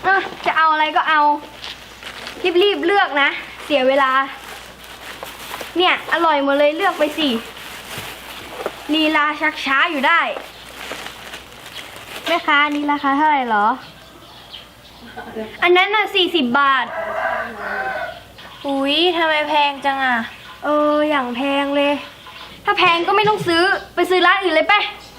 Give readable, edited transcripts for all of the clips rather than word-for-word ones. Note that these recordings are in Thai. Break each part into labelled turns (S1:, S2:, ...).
S1: จะเอาอะไรก็เอารีบเลือกนะเสียเวลาเนี่ยอร่อยหมดเลยเลือกไปสิลีลาชักช้าอยู่ได้แม่ค้านี่ราคาเท่าไหร่หรออันนั้นน่ะ40 บาท
S2: อุ๊ยทำไมแพงจังอ่ะ
S1: อย่างแพงเลยถ้าแพงก็ไม่ต้องซื้อไปซื้อร้านอื่นเลยไป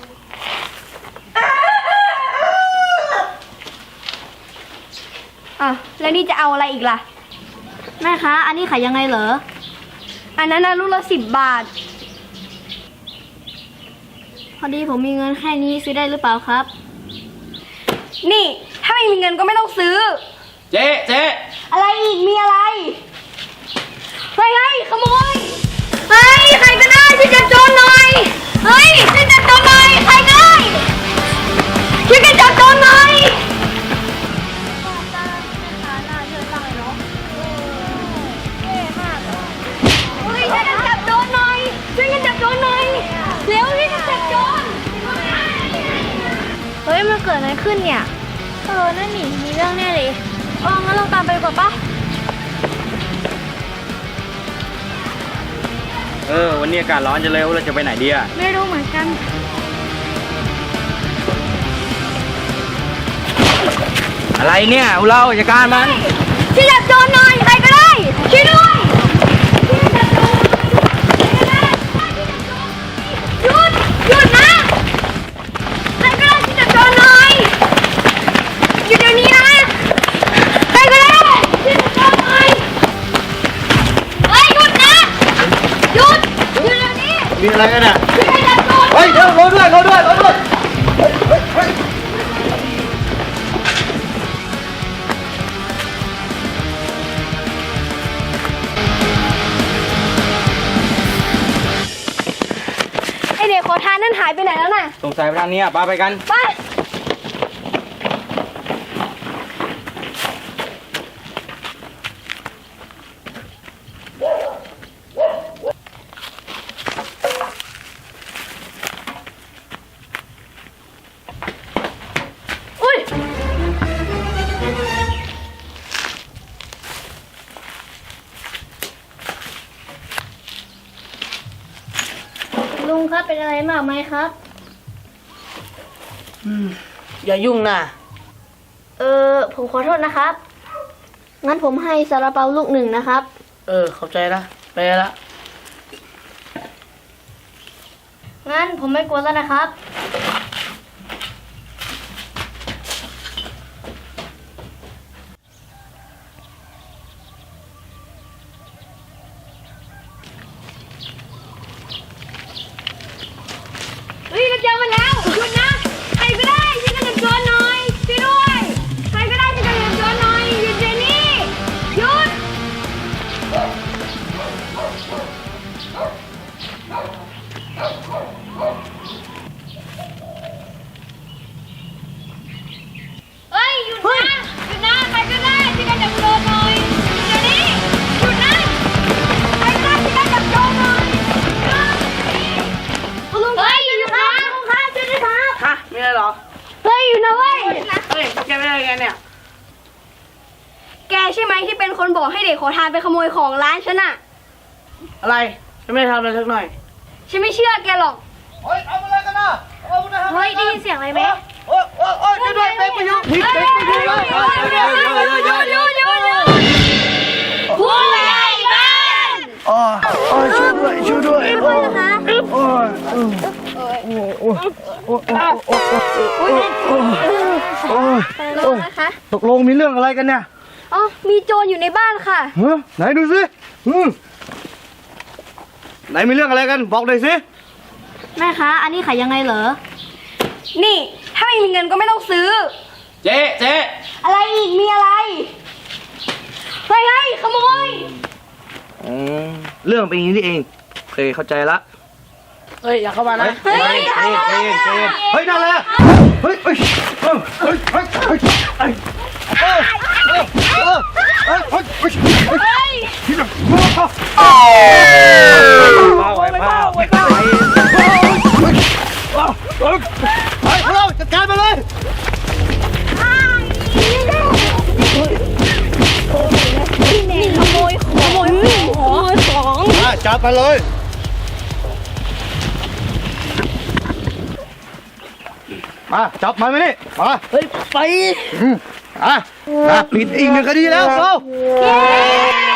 S1: แล้วนี่จะเอาอะไรอีกล่ะแม่คะอันนี้ขายยังไงเหรออันนั้นนะลูกละ10 บาทพอดีผมมีเงินแค่นี้ซื้อได้หรือเปล่าครับนี่ถ้าไม่มีเงินก็ไม่ต้องซื้อ
S3: เจ๊
S1: อะไรอีกมีอะไรเฮ้ยขโมยเฮ้ยใครก็ได้ช่วยจับโจรหน่อยเฮ้ยช่วยจับโจรหน่อยใครก็ได้ช่วยกันจับโจรหน่อยเฮ้ยช่วยกันจับโจรหน่อยช่วยกันจับโจรหน่อยเร็วช่วยกันจับโจรเฮ้ยมันเกิดอะไรขึ้นเนี่ยนั่นนี่มีเรื่องแน่เลยงั้นเราตามไปดีกว่าปะ
S3: วันนี้อากาศร้อนจะเลยเราจะไปไหนดีอะ
S1: ไม่รู้เหมือนกัน
S3: อะไรเนี่ยเราจัดการมัน
S1: ช่วยจับโจรหน่อยใครก็ได้ช่วยด้วยหยุดนะใครก็ได้ช่วยจับโจรหน่อยหยุดเดี๋ยวนี้นะใครก็ได้ช่วยจับโจรหน่อยเฮ้ยหยุดนะหยุดเดี๋ยวนี้
S3: มีอะไรกันอะ
S1: ช่วยจับโจร
S3: เฮ้ยเดี๋ยวรอด้วย
S1: ไอเด็กขอทานนั่นหายไปไหนแล้วน่ะ
S3: สงสัยไปทางนี้ป้าไปกัน
S1: ไปลุงครับเป็นอะไรมากไหมครับ
S4: อย่ายุ่งนะ
S1: ผมขอโทษนะครับงั้นผมให้ซาลาเปาลูก1นะครับ
S4: เข้าใจละไปละ
S1: งั้นผมไม่กลัวแล้วนะครับเราเจอมันแล้วหยุดนะใครก็ได้ช่วยกันจับโจรหน่อยช่วยด้วยใครก็ได้ช่วยกันจับโจรหน่อยหยุดเดี๋ยวนี้หยุดเฮ้ยหยุดนะใครก็ได้ช่วยกันจับโจรหน่อยเดี๋ยวนี้หยุดนะใครก็ได้ช่วยกันจับโจรหน่อยลุงเฮ้ยหยุดนะลุงครับช่วยด้วยครับ
S4: ฮะมีอะไรหรอ
S1: เฮ้ยอยู่นะเว้ย
S4: แกไม่ได้ไงเนี่ย
S1: แกใช่ไหมที่เป็นคนบอกให้เด็กขอทานไปขโมยของร้านฉันอะ
S4: อะไรฉันไม่ได้ทำอะไรสักหน่อย
S1: ฉันไม่เชื่อแกหรอก
S3: เฮ้ยเอาอะไรกันนะ
S1: เฮ้ยได้ยินเสียงอะไรไหม
S3: ช่วยด้วยเด็กไปยุ่งผิดเด็กไปยุ่ง
S1: ผู้ใหญ่บ้าน
S3: ช่วยด้วย
S1: นะคะ
S3: ตกลงมีเรื่องอะไรกันเนี่ย
S1: มีโจรอยู่ในบ้านค่ะ
S3: ไหนดูสิไหนมีเรื่องอะไรกันบอกหน่อยสิ
S1: แม่คะอันนี้ขายยังไงเหรอนี่ถ้าไม่มีเงินก็ไม่ต้องซื้อ
S3: เจ๊
S1: อะไรอีกมีอะไรเฮ้ยขโมย
S3: เรื่องเป็นอย่างนี้นี่เองเคยเข้าใจละ
S4: อย่าเข้ามานะ
S3: เฮ้ยนั่นแหละเฮ้ยเราจัดการมาเลยมาเลย มาจับมันมานี่มา
S4: เฮ้ย ไป
S3: อ่ะปิดอีกหนึ่งคดีแล้วเรา
S1: เย้